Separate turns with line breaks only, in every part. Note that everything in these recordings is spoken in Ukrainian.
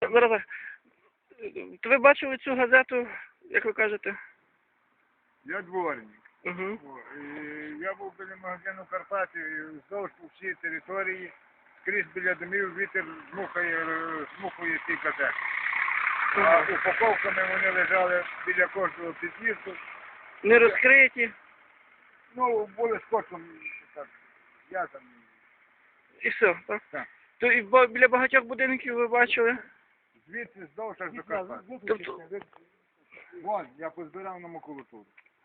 Зараз. То ви бачили цю газету, як ви кажете?
Я дворник.
Угу.
Я був біля магазину Карпати, вздовж по всій території, скрізь біля домів вітер змухує ці газети. А упаковками вони лежали біля кожного під'їзду.
Не розкриті.
Ну, були скотчем так, зв'язані.
І все, так?
Так.
То і біля багатьох будинків ви бачили?
Звідси здовж аж до Карпат.
Тобто...
Вон, я позбирав на макулатуру.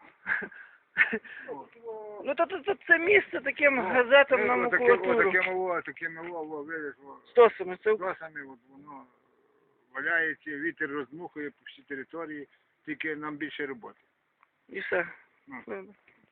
Ну, то це місце таким газетам на макулатуру.
Такими видиш,
Стосами, це...
стосами, воно валяється, вітер роздмухує по всій території, тільки нам більше роботи.
І все.
Ну.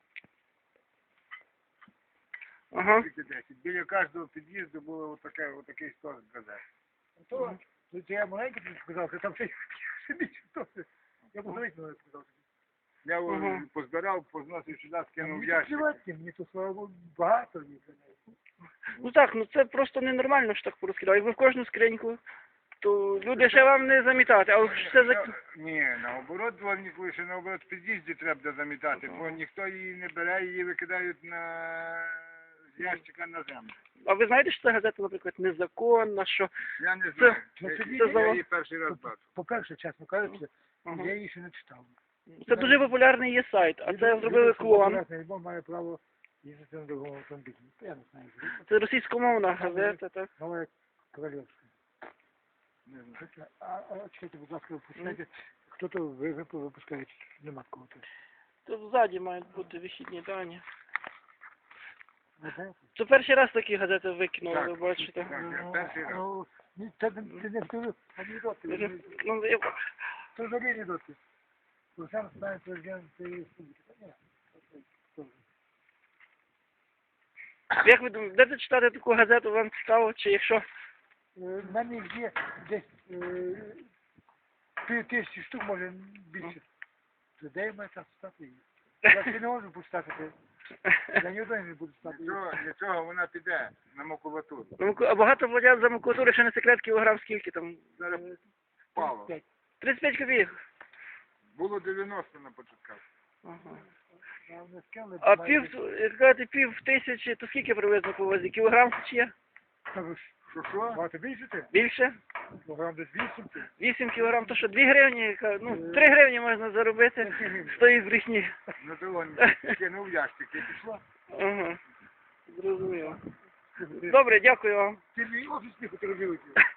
Ага.
Біля кожного під'їзду було отакий стос газет.
То я маленький тобі сказав, що там ще більше стоси. Я позавіть мене сказав.
Я позбирав, позносив сюди, скинув в ящик.
Мені то, слава Богу, багато їх.
Ну так, ну це просто ненормально, що так порозкидали. Якби в кожну скриньку, то люди ще вам не замітати, а все за...
Ні, наоборот, дворнику лише наоборот в під'їзді треба замітати, бо ніхто її не бере, її викидають з ящика на землю.
А ви знаєте, що ця газета, наприклад, незаконна, що...
Я не знаю,
це
я її перший раз бачу.
По-перше, чесно кажучи, я її ще не читав.
Це дуже популярний є сайт, а це зробили клон.
Альбом має право їздити на другому автомобілі. Я не знаю.
Це російськомовна газета, так?
Нова королівська. А чекайте, будь ласка, випускайте. Хто то випускає? Нема такого.
Тут ззаді мають бути вихідні дані.
Ви знаєте?
Це перший раз такі газети викинули, ви бачите.
Так, перший раз.
Ти не втягнув анекдоти.
Ну, я...
То взагалі анекдоти. Бо сам знає президент цієї республіки.
Як ви думаєте, будете читати таку газету, вам цікаво, чи якщо...
В мене їх є десь 1000 штук, може більше. То де я маю час читати її? Я ще не можу почитати. Я ні одної не буду читати.
Для цього вона піде на макулатуру.
А багато платять за макулатуру, ще не секрет, кілограм скільки там?
Зараз впало.
35 копійок.
Було 90 на початках.
Ага. А
пів...
пів тисячі, то скільки приблизно по вазі? Кілограм чи є?
Що?
Багато більше ти?
Більше?
Кілограм десь 8 ти?
8 кілограм, то що 2 гривні, ну 3 гривні можна заробити з тої брехні.
Ну то вон кинув в ящик і пішло.
Ага, зрозуміло. Добре, дякую вам.
Ти мій офісний фотографіруєш.